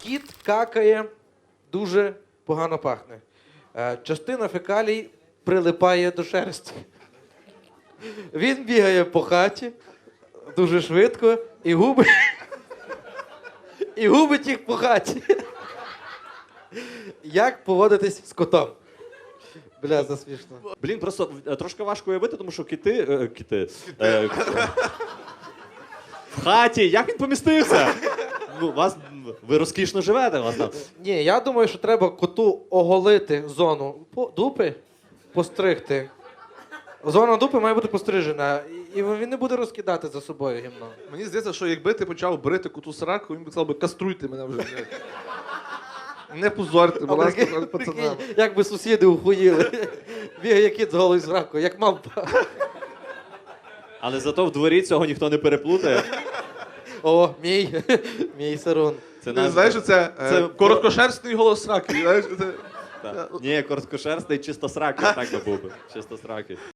Кіт какає, дуже погано пахне. Частина фекалій прилипає до шерсті. Він бігає по хаті дуже швидко і губить, і губить їх по хаті. Як поводитись з котом? Бля, засмішно. Блін, просто трошки важко уявити, тому що кити... В хаті, як він помістився? Ну, ви розкішно живете, у вас там. Ні, я думаю, що треба коту оголити зону дупи, постригти. Зона дупи має бути пострижена, і він не буде розкидати за собою гімно. Мені здається, що якби ти почав брити коту сраку, він би сказав, каструйте мене вже. Не позорте, будь ласка, пацанам. Як би сусіди ухуїли. Бігає кіт з голою зракою, як мавпа. Але зато в дворі цього ніхто не переплутає. О, мій Сарун. Це Ти знаєш, що це короткошерстний голос сраки. Знаєш, це... Ні, короткошерстний, чисто сракий, так би був би. Чисто сракий.